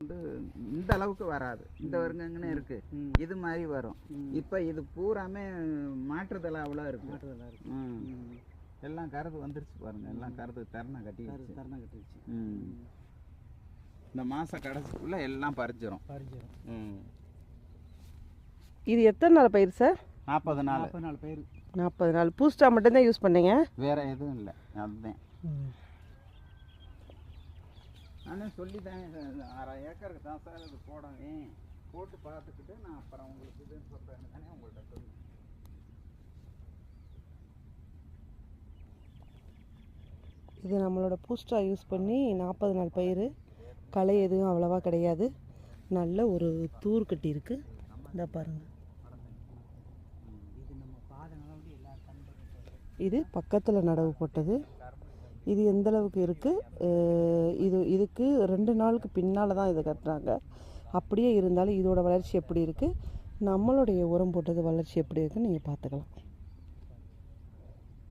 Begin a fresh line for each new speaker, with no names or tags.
இந்த அளவுக்கு வராது. இந்த வருங்கன்னு இருக்கு, இது மாதிரி வரும். இப்போ இது பூராமே மாற்றுதலாவில் இருக்கு. எல்லாம் கருது வந்துருச்சு பாருங்க, எல்லாம் கருது தரணை கட்டிடுச்சு. இந்த மாசம் கடைசிக்குள்ள எல்லாம் பறிச்சிடும்.
இது எத்தனை நாள் பயிர் சார்?
40 நாள்.
40 நாள். பூஸ்டா மட்டும்தான் யூஸ் பண்ணீங்க, வேற
எதுவும் இல்லை. அதுதான் நானே சொல்லிட்டேன், 1/2 ஏக்கருக்கு தான் சார் இது போடுவேன், போட்டு பார்த்துக்கிட்டு நான் அப்புறம் உங்களுக்கு இதுன்னு சொல்கிறேன்னு தானே உங்கள்கிட்ட சொல்லுவேன்.
இது நம்மளோட பூஸ்டா யூஸ் பண்ணி 40 நாள் பயிர். களை எதுவும் அவ்வளோவா கிடையாது, நல்ல ஒரு தூர் கட்டி இருக்கு. இந்த பாருங்கள், இது பக்கத்தில் நடவு போட்டது. இது எந்த அளவுக்கு இருக்குது, இதுக்கு 2 நாளுக்கு பின்னால் தான் இதை கட்டுறாங்க. அப்படியே இருந்தாலும் இதோட வளர்ச்சி எப்படி இருக்குது, நம்மளுடைய உரம் போட்டது வளர்ச்சி எப்படி இருக்குன்னு நீங்கள் பார்த்துக்கலாம்.